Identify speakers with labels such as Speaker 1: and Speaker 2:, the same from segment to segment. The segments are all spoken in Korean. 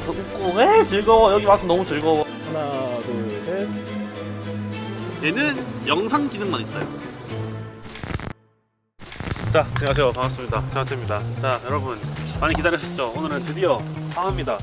Speaker 1: 웃고 즐거워. 여기 와서 너무 즐거워.
Speaker 2: 하나, 둘, 셋.
Speaker 1: 얘는 영상 기능만 있어요. 자, 안녕하세요. 반갑습니다. 장하태입니다. 자, 여러분 많이 기다리셨죠? 오늘은 드디어 상합니다.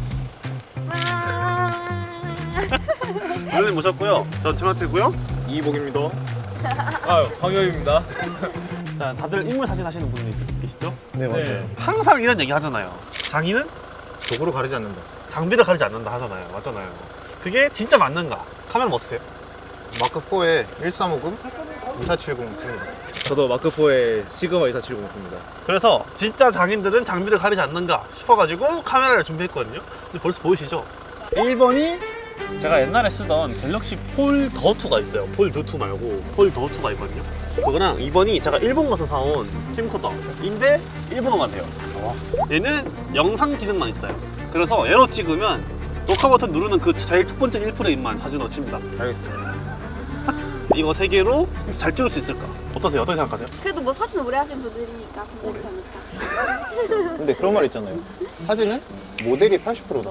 Speaker 1: 오늘 모셨고요. 전 장하태고요.
Speaker 3: 이복입니다.
Speaker 2: 아유, 황영입니다.
Speaker 1: 자, 다들 인물 사진 하시는 분이 계시죠?
Speaker 3: 네, 맞아요.
Speaker 2: 네.
Speaker 1: 항상 이런 얘기 하잖아요. 장인은
Speaker 3: 도구로 가리지 않는다.
Speaker 1: 장비를 가리지 않는다 하잖아요. 맞잖아요. 그게 진짜 맞는가? 카메라 뭐 쓰세요?
Speaker 3: 마크4에 1350, 2470 씁니다.
Speaker 2: 저도 마크4에 시그마 2470 있습니다.
Speaker 1: 그래서 진짜 장인들은 장비를 가리지 않는가 싶어가지고 카메라를 준비했거든요. 이제 벌써 보이시죠? 1번이 제가 옛날에 쓰던 갤럭시 폴더2가 있어요. 폴드2 말고 폴더2가 있거든요. 그거랑 2번이 제가 일본 가서 사온 캠코더인데 일본어만 돼요. 얘는 영상 기능만 있어요. 그래서 얘로 찍으면 녹화 버튼 누르는 그 제일 첫 번째 1프레임만 사진으로 칩니다.
Speaker 3: 알겠습니다.
Speaker 1: 이거 3개로 잘 찍을 수 있을까? 어떠세요? 어떻게 생각하세요?
Speaker 4: 그래도 뭐 사진 오래 하신 분들이니까 괜찮지 않을까.
Speaker 3: 근데 그런 말 있잖아요. 사진은 모델이 80%다.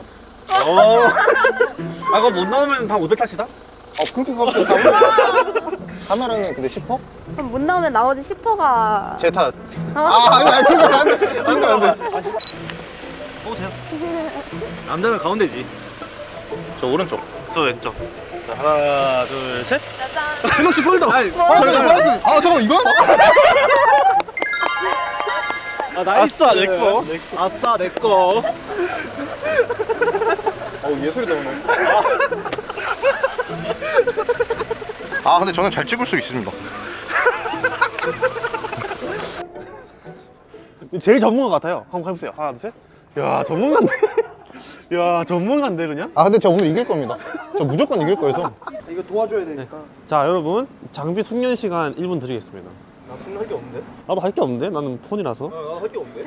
Speaker 1: 그거 못 나오면 다 모델 탓이다?
Speaker 3: 그렇게 가면 다 카메라는 근데 10%?
Speaker 4: 그럼 못 나오면 나머지 10%가
Speaker 3: 제 탓. 아니, 그러면 안 돼. 안 돼.
Speaker 1: 보세요.
Speaker 2: 남자는 가운데지.
Speaker 3: 저 오른쪽.
Speaker 1: 저 왼쪽. 자, 하나, 둘, 셋.
Speaker 4: 짜잔.
Speaker 3: 갤럭시 폴더.
Speaker 2: 아니,
Speaker 3: 잠깐 이거?
Speaker 2: 아, 나이스.
Speaker 1: 아싸, 내 거.
Speaker 2: 아싸, 내 거.
Speaker 3: 예술이다 오늘. 근데 저는 잘 찍을 수 있습니다.
Speaker 1: 제일 전문가 같아요. 한번 해보세요. 하나, 둘, 셋. 야, 전문가인데. 야, 전문가인데 그냥.
Speaker 3: 근데 저 오늘 이길 겁니다. 저 무조건 이길 거여서.
Speaker 2: 이거 도와줘야 되니까.
Speaker 1: 자, 여러분 장비 숙련 시간 1분 드리겠습니다.
Speaker 2: 나 숨할 게 없는데?
Speaker 1: 나도 할 게 없는데. 나는 폰이라서.
Speaker 2: 나도 할 게 없는데?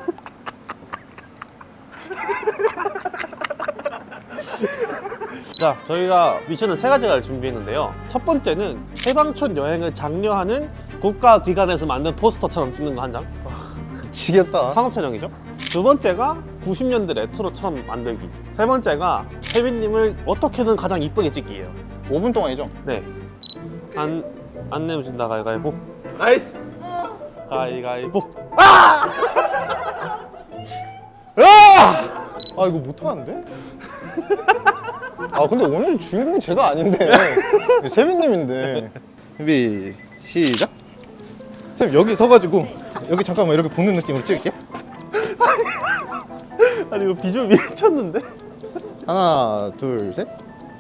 Speaker 1: 자, 저희가 미션은 3가지를 준비했는데요. 첫 번째는 해방촌 여행을 장려하는 국가기관에서 만든 포스터처럼 찍는 거 한 장.
Speaker 3: 지겠다.
Speaker 1: 상업 촬영이죠. 두 번째가 90년대 레트로처럼 만들기. 세 번째가 태빈님을 어떻게든 가장 이쁘게 찍기예요.
Speaker 3: 5분 동안이죠?
Speaker 1: 네. 안 내면 진다. 가위가위보.
Speaker 2: 나이스.
Speaker 1: 가위가위보.
Speaker 3: 이거 못하는데? 근데 오늘 주인공이 제가 아닌데 세빈님인데. 준비 시작. 쌤 여기 서가지고 여기 잠깐만 이렇게 보는 느낌으로 찍을게.
Speaker 1: 아니 이거 비주얼 미쳤는데?
Speaker 3: 하나 둘 셋.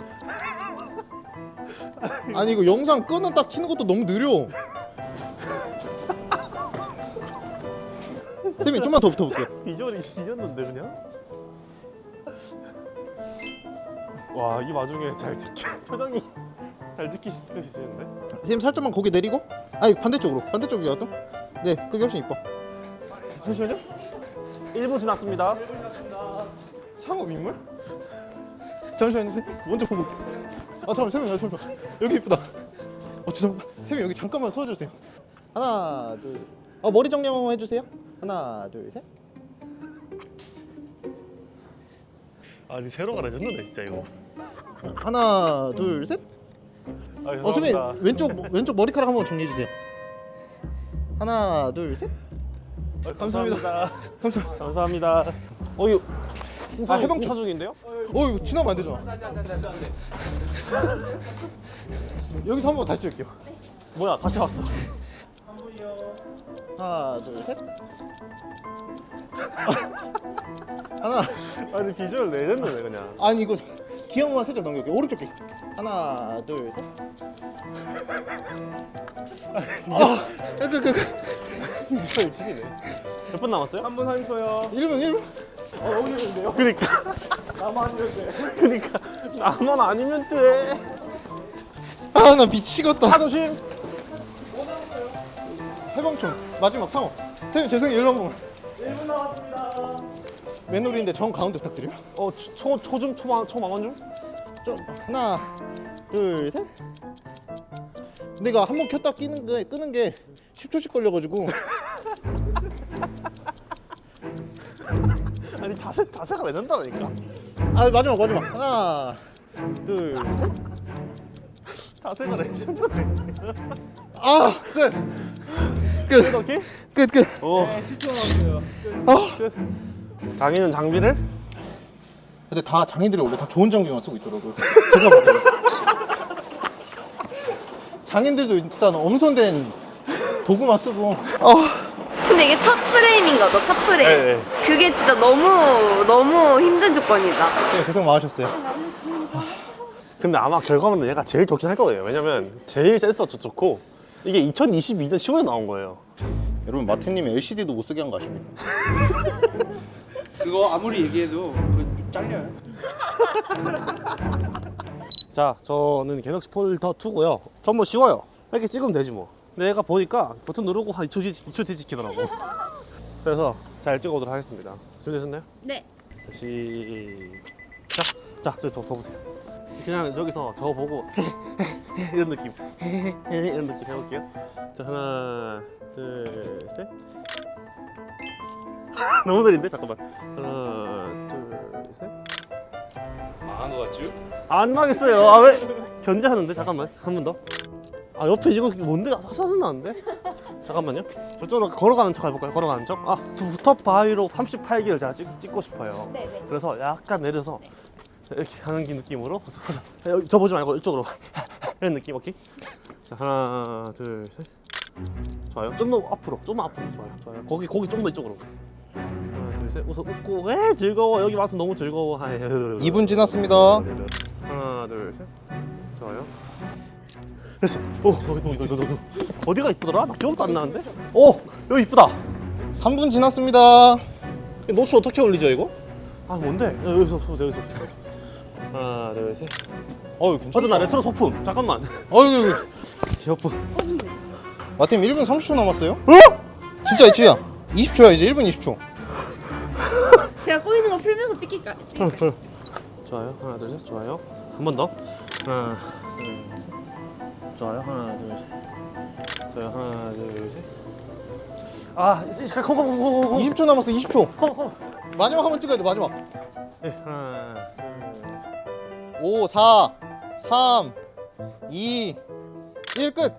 Speaker 3: 아니 이거 영상 끄는 딱 키는 것도 너무 느려. 쌤이 좀만 더 붙어볼게요.
Speaker 1: 비주얼이 미쳤는데 그냥? 와, 이 와중에 잘 표정이 잘 지키시는데?
Speaker 3: 쌤 살짝만 고개 내리고. 반대쪽이야 또. 네, 그게 훨씬 이뻐. 잠시만요.
Speaker 1: 1분 지났습니다.
Speaker 3: 상업 인물? 잠시만요, 쌤. 먼저 보고 올게요. 잠깐만. 여기 이쁘다. 죄송합니다. 쌤이 여기 잠깐만 서주세요. 하나, 둘. 머리 정리 한번 해주세요. 하나, 둘, 셋.
Speaker 1: 아니 새로 가르쳤는데 진짜 이거.
Speaker 3: 하나, 둘, 셋. 쌤이 왼쪽 머리카락 한번 정리해 주세요. 하나, 둘, 셋. 감사합니다.
Speaker 1: 감사합니다. 이거
Speaker 3: 해방촌.
Speaker 1: 행사 중인데요?
Speaker 3: 이거 지나면 안 되잖아. 여기서 한번 다시 찍을게요.
Speaker 1: 뭐야, 다시 왔어.
Speaker 3: 하나, 둘, 셋. 하나.
Speaker 1: 아니 비주얼 레전드네 그냥.
Speaker 3: 아니 이거 기억만 살짝 넘겨볼게요. 오른쪽 귀. 하나, 둘, 셋.
Speaker 1: 비주얼 지기네. 몇 분 남았어요?
Speaker 2: 3분 30초요.
Speaker 3: 1분.
Speaker 2: 너무 힘든데요?
Speaker 1: 그니까.
Speaker 2: 나만 아니면 돼.
Speaker 1: 그니까 나만 아니면 돼.
Speaker 3: 나 미치겠다.
Speaker 1: 조심.
Speaker 3: 해방촌 마지막 상어. 쌤 죄송해요. 일로 한 번만.
Speaker 2: 1분 남았습니다.
Speaker 3: 맨홀인데 정 가운데 부탁드려요.
Speaker 1: 초중 초망원 중?
Speaker 3: 하나, 둘, 셋. 근데 이거 한 번 켰다 끄는 게 10초씩 걸려가지고.
Speaker 1: 아니 자세가 왜 된다니까.
Speaker 3: 아 마지막 하나 둘 셋.
Speaker 1: 자세가 왜 된다니까.
Speaker 3: 아 끝.
Speaker 1: 오케이?
Speaker 3: 끝.
Speaker 1: 오.
Speaker 2: 10초 남았어요.
Speaker 1: 장인은 장비를
Speaker 3: 근데 다 장인들이 원래 다 좋은 장비만 쓰고 있더라고요. 제가 봐도. 장인들도 일단 엄선된 도구만 쓰고.
Speaker 4: 근데 이게 첫 프레임인 거죠, 첫 프레임.
Speaker 1: 네.
Speaker 4: 그게 진짜 너무 힘든 조건이다.
Speaker 3: 네, 고생 많으셨어요.
Speaker 1: 근데 아마 결과물은 얘가 제일 좋긴 할 거예요. 왜냐면 제일 센서도 좋고 이게 2022년 10월에 나온 거예요.
Speaker 3: 여러분 마태님 LCD도 못 쓰게 한 거 아십니까?
Speaker 5: 그거 아무리 얘기해도 그 잘려요.
Speaker 1: 자, 저는 갤럭시 폴드 2고요. 전 뭐 쉬워요. 이렇게 찍으면 되지 뭐. 근데 얘가 보니까 버튼 누르고 한 2초 뒤 찍히더라고. 그래서 잘 찍어보도록 하겠습니다. 준비되셨나요?
Speaker 4: 네.
Speaker 1: 자, 시작. 자, 저기서 서보세요. 그냥 여기서 저 보고 이런 느낌 이런 느낌 해볼게요. 자, 하나 둘 셋. 너무 느린데? 잠깐만. 하나 둘 셋.
Speaker 5: 망한 거 같죠?
Speaker 1: 안 망했어요. 아, 왜? 견제하는데? 잠깐만. 한 번 더. 아, 옆에 이거 뭔데? 사진 나는데? 잠깐만요. 저쪽으로 걸어가는 척 해볼까요? 걸어가는 척? 아, 두텁 바위로 38기를 제가 찍고 싶어요.
Speaker 4: 네네.
Speaker 1: 그래서 약간 내려서 이렇게 하는 느낌으로 저 보지 말고 이쪽으로 이런 느낌. 오케이? 자, 하나 둘 셋. 좋아요. 좀 더 앞으로, 좀만 앞으로. 좋아요. 거기 좀 더 이쪽으로. 하나 둘 셋. 웃어 웃고. 에 즐거워. 여기 와서 너무 즐거워.
Speaker 3: 2분 지났습니다.
Speaker 1: 하나 둘 셋. 좋아요. 됐어. 오, 너 어디가 이쁘더라? 나 기억도 안 나는데. 오, 여기 이쁘다.
Speaker 3: 3분 지났습니다.
Speaker 1: 노트 어떻게 올리죠 이거? 아, 뭔데? 여기서 보세요. 하나 둘 셋.
Speaker 3: 괜찮다.
Speaker 1: 맞아, 나 레트로 소품. 잠깐만.
Speaker 3: 어이구.
Speaker 1: 귀엽고.
Speaker 3: 마태님 1분 30초 남았어요? 진짜 이치야. 20초야 이제 1분 20초.
Speaker 4: 제가 꼬이는 거 풀면서 찍힐까요?
Speaker 1: 좋아요. 하나 둘 셋. 좋아요. 한 번 더. 하나 둘. 좋아요. 하나 둘 셋. 좋아요. 하나 둘 셋. 아, 이제 콩.
Speaker 3: 20초 남았어 20초. 마지막 한번 찍어야 돼 마지막.
Speaker 1: 네, 하나 둘.
Speaker 3: 5 4 3 2 1 끝.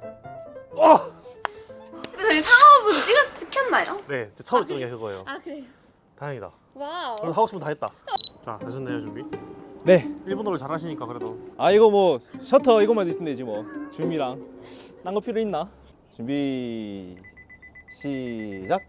Speaker 4: 저희 상업은 찍혔나요?
Speaker 1: 네, 제 처음 찍은 게 그거예요.
Speaker 4: 아 그래요?
Speaker 1: 다행이다.
Speaker 4: 와우.
Speaker 1: 그래도 하고 싶은 거 다 했다. 자, 되셨나요 준비?
Speaker 2: 네.
Speaker 1: 일본어를 잘하시니까 그래도.
Speaker 2: 아 이거 뭐 셔터 이것만 있으면 되지 뭐. 준비랑 딴 거 필요 있나? 준비 시작.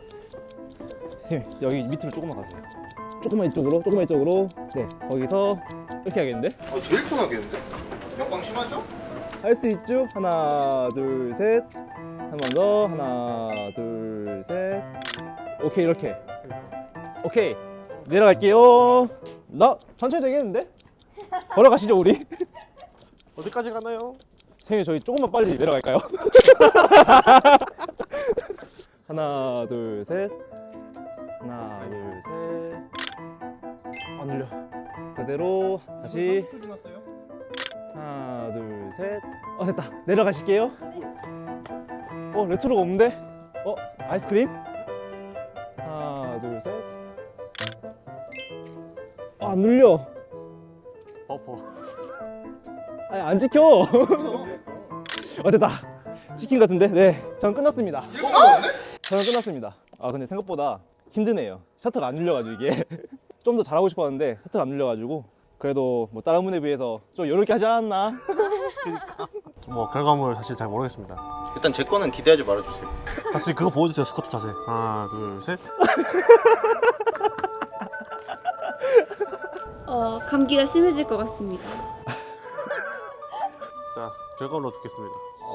Speaker 2: 여기 밑으로 조금만 가세요. 조금만 이쪽으로. 네, 거기서 이렇게 해야겠는데?
Speaker 3: 제일 편하겠는데? 역광 심하죠?
Speaker 2: 할 수 있죠? 하나, 둘, 셋. 한 번 더. 하나, 둘, 셋. 오케이, 이렇게. 오케이. 내려갈게요. 천천히 되겠는데? 걸어가시죠, 우리.
Speaker 1: 어디까지 가나요?
Speaker 2: 선생님, 저희 조금만 빨리 내려갈까요? 하나, 둘, 셋. 하나, 둘, 셋. 안 눌려. 그대로 다시.
Speaker 3: 30초 지났어요?
Speaker 2: 하나, 둘, 셋. 됐다. 내려가실게요. 레트로가 없는데? 아이스크림? 하나, 둘, 셋. 안 눌려.
Speaker 1: 버퍼.
Speaker 2: 아니, 안 지켜. 됐다. 치킨 같은데? 네. 저는 끝났습니다. 저는 끝났습니다. 근데 생각보다 힘드네요. 셔터가 안 눌려가지고 이게. 좀 더 잘하고 싶었는데 셔터가 안 눌려가지고 그래도 뭐 다른 분에 비해서 좀 이렇게 하지 않았나?
Speaker 1: 뭐 결과물 사실 잘 모르겠습니다.
Speaker 3: 일단 제 거는 기대하지 말아주세요.
Speaker 1: 다시 그거 보여주세요. 스쿼트 자세. 하나 둘 셋.
Speaker 4: 감기가 심해질 것 같습니다.
Speaker 1: 자, 결과물로 듣겠습니다.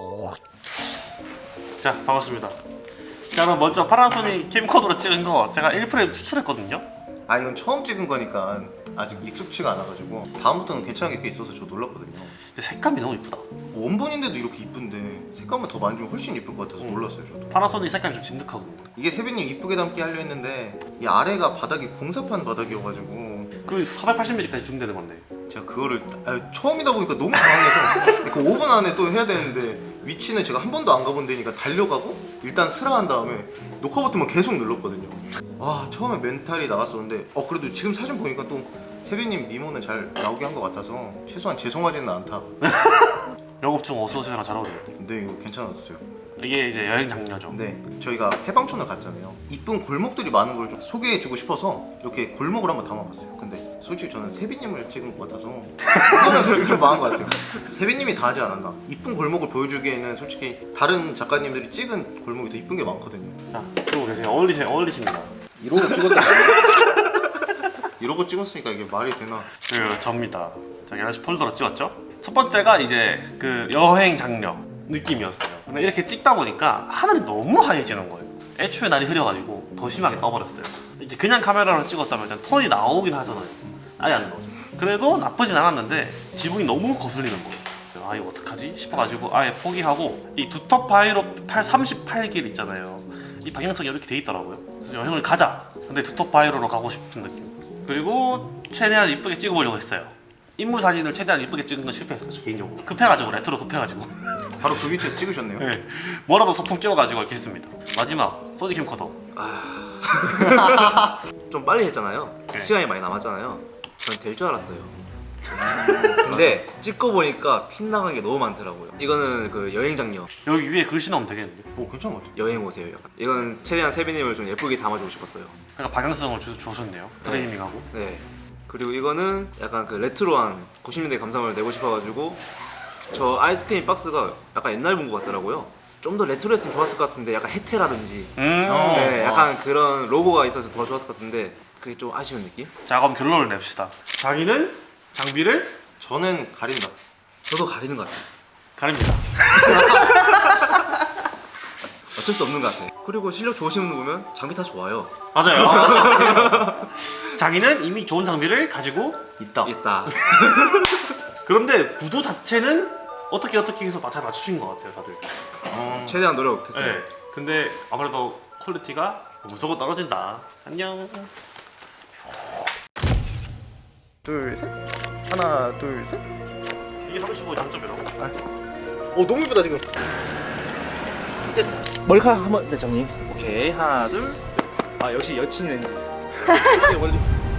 Speaker 1: 자, 반갑습니다. 자, 그럼 먼저 파나소닉 캠코더로 찍은 거 제가 1프레임 추출했거든요.
Speaker 3: 이건 처음 찍은 거니까 아직 익숙치가 않아가지고 다음부터는 괜찮은 게 있어서 저 놀랐거든요.
Speaker 1: 근데 색감이 너무 이쁘다.
Speaker 3: 원본인데도 이렇게 이쁜데 색감만 더 만지면 훨씬 이쁠 것 같아서 놀랐어요 저도.
Speaker 1: 파나소닉 색감이 좀 진득하거든요.
Speaker 3: 이게 세빈님 이쁘게 담기 하려 했는데 이 아래가 바닥이 공사판 바닥이어가지고
Speaker 1: 그 480mm까지 줌되는 건데.
Speaker 3: 제가 그거를 처음이다 보니까 너무 당황해서 그 5분 안에 또 해야 되는데 위치는 제가 한 번도 안 가본 데니까 달려가고 일단 스라한 다음에 녹화 버튼만 계속 눌렀거든요. 아 처음에 멘탈이 나갔었는데 그래도 지금 사진 보니까 또 세빈님 미모는 잘 나오게 한 것 같아서 최소한 죄송하지는 않다.
Speaker 1: 영업중 어서오세요랑 잘 어울려요.
Speaker 3: 근데 이거 괜찮았어요.
Speaker 1: 이게 이제 여행 장려죠.
Speaker 3: 네, 저희가 해방촌을 갔잖아요. 이쁜 골목들이 많은 걸 좀 소개해주고 싶어서 이렇게 골목을 한번 담아봤어요. 근데 솔직히 저는 세빈님을 찍은 것 같아서 이거는 솔직히 좀 망한 것 같아요. 세빈님이 다 하지 않았나. 이쁜 골목을 보여주기에는 솔직히 다른 작가님들이 찍은 골목이 더 이쁜 게 많거든요.
Speaker 1: 자, 그러고 계세요. 어울리십니다.
Speaker 3: 이러고 찍었다. 이러고 찍었으니까 이게 말이 되나.
Speaker 1: 그 접니다. 자, 갤럭시 폴더로 찍었죠. 첫 번째가 이제 그 여행 장려 느낌이었어요. 근데 이렇게 찍다 보니까 하늘이 너무 하얘지는 거예요. 애초에 날이 흐려가지고 더 심하게 떠버렸어요. 이제 그냥 카메라로 찍었다면 일단 톤이 나오긴 하잖아요. 아예 안 나오죠. 그래도 나쁘진 않았는데 지붕이 너무 거슬리는 거예요. 아 이거 어떡하지 싶어가지고 아예 포기하고 이 두텁 바이로 38길 있잖아요. 이 방향성이 이렇게 돼 있더라고요. 그래서 여행을 가자. 근데 두텁 바이로로 가고 싶은 느낌. 그리고 최대한 이쁘게 찍어보려고 했어요. 인물 사진을 최대한 이쁘게 찍은 건 실패했어요. 저 개인적으로 급해가지고 레트로 급해가지고
Speaker 3: 바로 그 위치에서 찍으셨네요.
Speaker 1: 네, 뭐라도 소품 끼워가지고 이렇게 했습니다. 마지막 소니 캠코더.
Speaker 6: 좀 빨리 했잖아요.
Speaker 1: 네.
Speaker 6: 시간이 많이 남았잖아요. 전 될 줄 알았어요. 근데 찍고 보니까 핏나간 게 너무 많더라고요. 이거는 그 여행 장려.
Speaker 1: 여기 위에 글씨 넣으면 되겠는데?
Speaker 3: 오 괜찮은 것 같아요.
Speaker 6: 여행 오세요. 약간. 이건 최대한 세빈님을 좀 예쁘게 담아주고 싶었어요.
Speaker 1: 그러니까 방향성을 주셨네요. 트레이닝하고.
Speaker 6: 네. 그리고 이거는 약간 그 레트로한 90년대 감성을 내고 싶어가지고 저 아이스크림 박스가 약간 옛날 본 것 같더라고요. 좀 더 레트로했으면 좋았을 것 같은데 약간 혜태라든지 네, 약간 그런 로고가 있어서 더 좋았을 것 같은데 그게 좀 아쉬운 느낌?
Speaker 1: 자 그럼 결론을 냅시다. 자기는 장비를
Speaker 3: 저는 가린다.
Speaker 6: 저도 가리는 것 같아요.
Speaker 1: 가립니다.
Speaker 6: 어쩔 수 없는 것 같아요. 그리고 실력 좋으신 분 보면 장비 다 좋아요.
Speaker 1: 맞아요. 자기는 이미 좋은 장비를 가지고
Speaker 3: 있다.
Speaker 6: 있다.
Speaker 1: 그런데 구도 자체는 어떻게 해서 잘 맞추신 것 같아요 다들.
Speaker 6: 최대한 노력했어요.
Speaker 1: 네. 근데 아무래도 퀄리티가 무조건 떨어진다. 안녕.
Speaker 3: 둘 셋. 하나 둘 셋.
Speaker 1: 이게 35 장점이라고.
Speaker 3: 너무 이쁘다 지금. 됐어.
Speaker 2: 머리카락 한번 정리.
Speaker 6: 오케이 하나 둘. 아 역시 여친 렌즈.
Speaker 1: 이게 원래